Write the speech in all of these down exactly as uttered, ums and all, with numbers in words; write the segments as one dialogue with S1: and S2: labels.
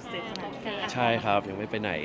S1: เสร็จขนาดนี้
S2: ใช่ครับยังไม่ไปไหน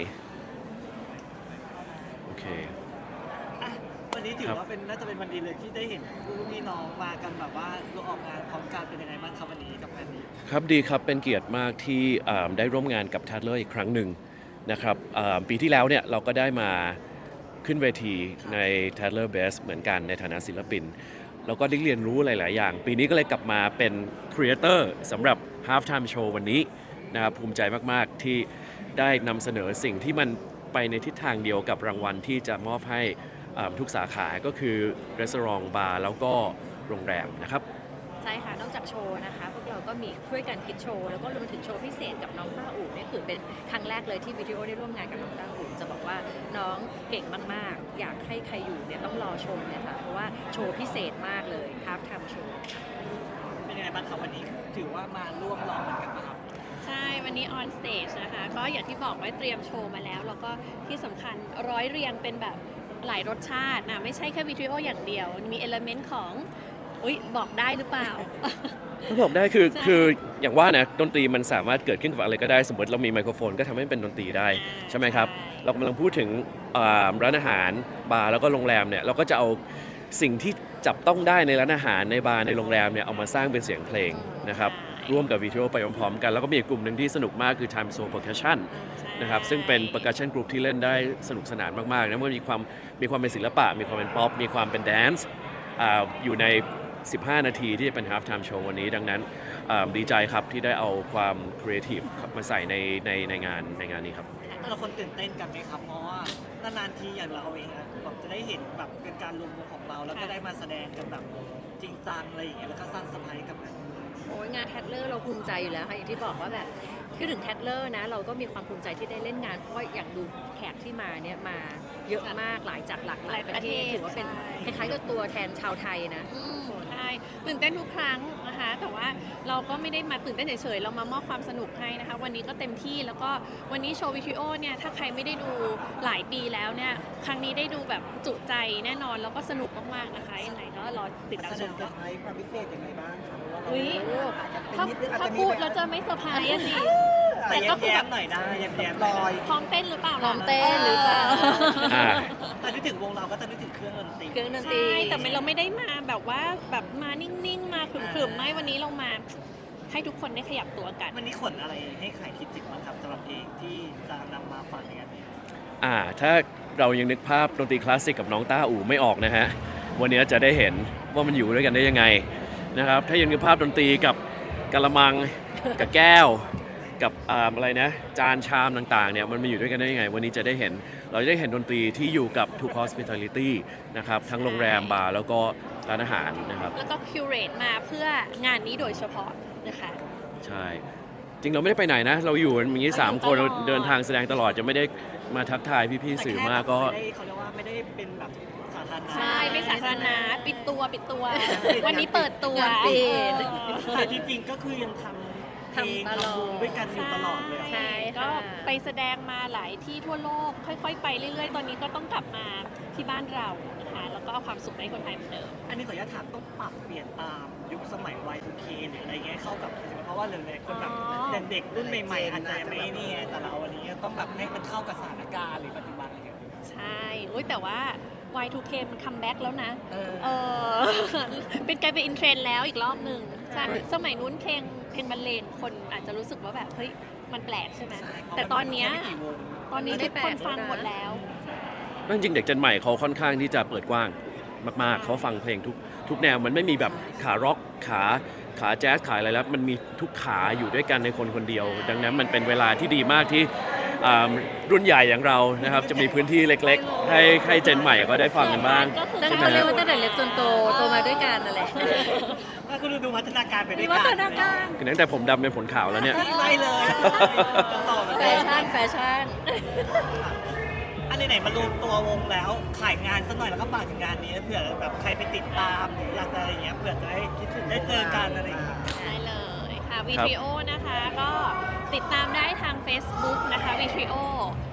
S2: โอเค
S1: อ่ะวันนี้ถือว่าเป็นน่าจะเป็นวันดีเลยที่ได้เห็นผู้พี่น้องมากันแบบว่าร่วมออกงานพร้อมกันเป็นยังไงบ้างครับวันนี้กับงานนี้
S2: ครับดีครับเป็นเกียรติมากที่อ่าได้ร่วมงานกับทัดเลอร์อีกครั้งหนึ่งนะครับอ่าปีที่แล้วเนี่ยเราก็ได้มาขึ้นเวทีใน Tadler Best เหมือนกันในฐานะศิลปินแล้วก็ได้เรียนรู้หลาย ๆ อย่าง ปีนี้ก็เลยกลับมาเป็นครีเอเตอร์สำหรับ Half Time Show วันนี้นะครับภูมิใจมาก ๆ ที่ได้นำเสนอสิ่งที่มันไปในทิศทางเดียวกับรางวัลที่จะมอบให้อ่าทุกสาขาก็คือร้านบาร์แล้วก็โรงแรมนะครับ
S3: ใช่ค่ะนอกจากโชว์นะคะพวกเราก็มีช่วยกันคิดโชว์แล้วก็รวมถึงโชว์พิเศษกับน้องต้าอู่นี่คือเป็นครั้งแรกเลยที่วิดีโอได้ร่วมงานกับน้องต้าอู่จะบอกว่าน้องเก่งมากๆอยากให้ใครอยู่เนี่ยต้องรอชมเนี่ยค่ะเพราะว่าโชว์พิเศษมากเลยฮาล์ฟไทม์โชว์
S1: เป็นยังไงบ้างครับวันนี้ถือว่ามาร่วมหล่อเหมือนกันนะครับ
S4: ใช่วันนี้ออนสเตจนะคะก็อย่างที่บอกไว้เตรียมโชว์มาแล้วแล้วก็ที่สำคัญร้อยเรียงเป็นแบบหลายรสชาตินะไม่ใช่แค่วิดีโออย่างเดียวมีเอลเมนต์ของอุ๊ยบอกได้หรือเปล่า
S2: ถ้าบอกได้คือ
S4: ใช่
S2: คืออย่างว่านะดนตรีมันสามารถเกิดขึ้นกับอะไรก็ได้สมมติเรามีไมโครโฟนก็ทำให้เป็นดนตรีได้ใช่ไหมครับเรากำลังพูดถึงอ่าร้านอาหารบาร์แล้วก็โรงแรมเนี่ยเราก็จะเอาสิ่งที่จับต้องได้ในร้านอาหารในบาร์ในโรงแรมเนี่ยเอามาสร้างเป็นเสียงเพลงนะครับร่วมกับวิดีโอไปพร้อมๆกันแล้วก็มีอีกกลุ่มหนึ่งที่สนุกมากคือ Time Zone Percussion นะครับซึ่งเป็น percussion group ที่เล่นได้สนุกสนานมากๆนะมันมีความมีความเป็นศิลปะมีความเป็นป๊อปมีความเป็นแดนซ์อยู่ในสิบห้านาทีที่จะเป็น half time show วันนี้ดังนั้นดีใจครับที่ได้เอาความครีเอทีฟมาใส่ในในในงานในงานนี้ครับ
S1: แต่ละคนตื่นเต้นกันไหมครับเพราะว่านานๆทีอย่างเราเองอะแบบจะได้เห็นแบบเป็นการรวมตัวของเราแล้วก็ได้มาแสดงกันแบบจริงจังอะไรอย่างเงี้ยแล้วก็สร้างเซอร์ไพรส์กับมัน
S3: โอ้ยงานแทดเลอร์เราภูมิใจอยู่แล้วค่ะอย่างที่บอกว่าแบบคือถึงแทดเลอร์นะเราก็มีความภูมิใจที่ได้เล่นงานเพราะว่าอย่างดูแขกที่มาเนี่ยมาเยอะมากหลายจากหลากหลายประเทศถือว่าเป็นคล้ายๆกับตัวแทนชาวไทยนะ
S4: ใช่ตื่นเต้นทุกครั้งนะคะแต่ว่าเราก็ไม่ได้มาตื่นเต้นเฉยๆเรามามอบความสนุกให้นะคะวันนี้ก็เต็มที่แล้วก็วันนี้โชว์วิดีโอเนี่ยถ้าใครไม่ได้ดูหลายปีแล้วเนี่ยครั้งนี้ได้ดูแบบจุใจแน่นอนแล้วก็สนุกมากๆนะคะยังไงก็รอติดตามชมกัน
S1: ความพิเศษยังไงบ้างครับ
S4: อุ้ยถ้าถ้าพูดแล้วจะไม่เซอร์ไพรส์อะสิ
S1: แต่ก็คือแบบหน่อยได้แย้มๆลอย
S4: พร้อมเต้นหรือเปล่า
S3: พร้อมเต้นหรือเปล่า
S2: อ่า
S1: แต่นึกถึงวงเราก็จะนึกถึงเครื่องดนตรี
S3: เครื่องดนตรี
S4: ใช่แต่เราไม่ได้มาแบบว่าแบบมานิ่งๆมาขรึมๆไม่วันนี้เรามาให้ทุกคนได้ขยับตัวกัน
S1: วันนี้ขนอะไรให้ใครคิดถึงบ้างครับสำหรับเพลงที่จะนำมาฝากในงานนี้
S2: อ่าถ้าเรายังนึกภาพดนตรีคลาสสิกกับน้องต้าอู่ไม่ออกนะฮะวันนี้จะได้เห็นว่ามันอยู่ด้วยกันได้ยังไงนะครับถ้ายังนึกภาพดนตรีกับกะละมังกับแก้วกับอ่าอะไรนะจานชามต่างๆเนี่ยมันมาอยู่ด้วยกันได้ยังไงวันนี้จะได้เห็นเราจะได้เห็นดนตรีที่อยู่กับ ทุก hospitality นะครับทั้งโรงแรมบาร์แล้วก็ร้านอาหารนะครับ
S4: แล้วก็คิวเรตมาเพื่องานนี้โดยเฉพาะนะคะ
S2: ใช่จริงเราไม่ได้ไปไหนนะเราอยู่กันอย่างนี้สามคนเราเดินทางแสดงตลอดจะไม่ได้มาทักทายพี่ๆสื่อมากก็
S1: ไม่ได้เขาเรียกว่าไม่ได้เป็นแบบสาธารณะ
S4: ใช่ไม่สาธารณะปิดตัวปิดตัว วันนี้เปิดตัว
S3: งานปิด
S1: แต่จริงๆก็คือยังทำเพลง
S3: ทำตลอด
S1: ทำวงด้วยกันอยู่ตลอดเลย
S3: ใช่
S4: ก็
S3: ค่ะ
S4: ไปแสดงมาหลายที่ทั่วโลกค่อยๆ ไปเรื่อยๆ ตอนนี้ก็ต้องกลับมาที่บ้านเรานะคะแล้วก็เอาความสุขให้คนไทยเหมือนเดิม
S1: อันนี้ขออนุญาตถามต้องปรับเปลี่ยนตามยุคสมัย วาย ทู เค หรืออะไรเงี้ยเข้ากับเพราะว่าหลายๆคนแบบ
S4: อ๋อ
S1: เด็กๆรุ่นใหม่ๆอาจจะไม่นี่ไงแต่เราวันนี้ต้องแบบให้มันเข้ากับสถานการณ์หรือปัจจุบันอะไรเงี้ย
S4: ใช่โอ้ยแต่ว่า วาย ทู เค มันคัมแบ็กแล้วนะ
S1: เออ
S4: เออ เป็นกลายเป็นอินเทรนด์แล้วอีกรอบหนึ่งใช่สมัยนู้นเพลงเพลงบรรเลงคนอาจจะรู้สึกว่าแบบเฮ้ยมันแปลกใช่ไหม
S1: ใช่เพราะ
S4: แต่ตอนเนี้ย
S1: มัมีแค่ไม่กี่วง
S4: ตอนนี้
S3: ไม่ได้
S4: ทุกคน
S3: แปลก
S4: ฟัง
S3: แล้วนะ
S4: หมดแล้ว
S2: จริงๆเด็กเจนใหม่เขาค่อนข้างที่จะเปิดกว้างมากๆ เขาฟังเพลงทุกทุกแนวมันไม่มีแบบขาร็อกขาขาแจ๊สขาอะไรแล้วมันมีทุกขาอยู่ด้วยกันในคนคนเดียว ดังนั้นมันเป็นเวลาที่ดีมากที่อ่ารุ่นใหญ่อย่างเรานะครับจะมีพื้นที่เล็กๆ ให้ให้เจนใหม่ก็ได้ฟังกันบ้าง
S3: นั่น
S2: ใช่ไหม
S3: เขาเรียกว่าตั้งแต่เล็กจนโตโตมาด้วยกันนั่นแหละ
S1: ก็คือดูพัฒนาการไปด้วย
S4: วั
S1: กัน
S4: ฒนาการ
S2: คือตั้งแต่ผมดำเป็นผลขาวแล้วเนี่ย
S1: ไม่เลยต่อมา
S3: แฟชั่นแฟชั่น
S1: อันไหนๆมารวมตัววงแล้วขายงานสักหน่อยแล้วก็ฝากถึงงานนี้เผื่อแบบใครไปติดตามหรืออยากจะอะไรอย่างเงี้ยเผื่อจะได้คิดถึงได้เจอกันอะไรอย่างเงี้ย
S4: ได้เลยค่ะวิดีโอนะคะก็ติดตามได้ทาง Facebook นะคะวิดีโอ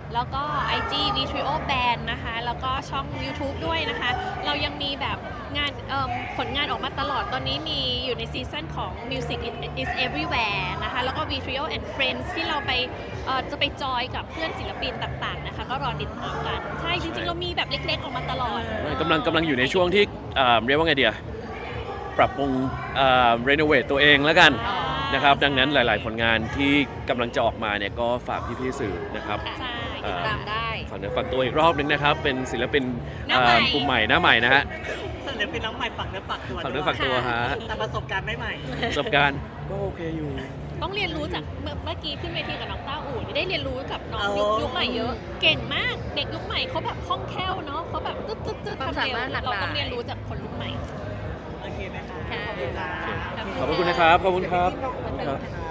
S4: แล้วก็ ไอ จี วี ทรี โอ Band นะคะ แล้วก็ช่อง YouTube ด้วยนะคะ เรายังมีแบบงานเอิ่มผลงานออกมาตลอด ตอนนี้มีอยู่ในซีซั่นของ Music is Everywhere นะคะ แล้วก็ วี ทรี โอ and Friends ที่เราไปเอ่อจะไปจอยกับเพื่อนศิลปินต่างๆนะคะ ก็รอติดตามกัน ใช่ จริงๆ เรามีแบบเล็กๆ ออกมาตลอด
S2: กำลังกำลังอยู่ในช่วงที่เอ่อเรียกว่าไงเดียปรับปรุงรีโนเวทตัวเองแล้วกันนะครับดังนั้นหลายๆ ผลงานที่กำลังจะออกมาเนี่ยก็ฝากพี่ๆสื่อนะครับ
S4: ใช่
S2: เอ่อ
S3: ตามได้
S2: ฝากเนื้อฝากตัวอีกรอบนึงนะครับ เป็นศิลปิน
S4: หน้าใหม่
S2: เอ่อกลุ่มใหม่หน้าใหม่นะฮะ
S1: ส่วนเดี๋ยวเป็นน้องใหม่ฝักเนื้อฝักตัว
S2: ฝากเนื้อฝากตัวฮะ
S1: แต่ประสบการณ์ไม่ใหม่
S2: ประสบการณ์ก็โอเคอยู่
S4: ต้องเรียนรู้จากเมื่อเมื่อกี้ขึ้นเวทีกับน้องต้าอู่ได้เรียนรู้กับน้อง
S1: เอายุ
S4: ยุคยุคใหม่เยอะ เก่งมาก เด็กยุคใหม่เขาแบบคล่องแคล่วเนาะเขาแบบตึ๊ดตึ๊ดตึ๊ด
S3: ความ
S4: ทำเร็ว
S3: สามารถหลากหลาย
S4: เราต้องเรียนรู้จากคนรุ่นใหม่
S1: โอเคไหมคะ
S3: ค่ะ
S1: ขอบคุณค่ะ
S2: ขอบคุณนะครับ ขอบคุณครับ
S3: ขอบคุณค่ะ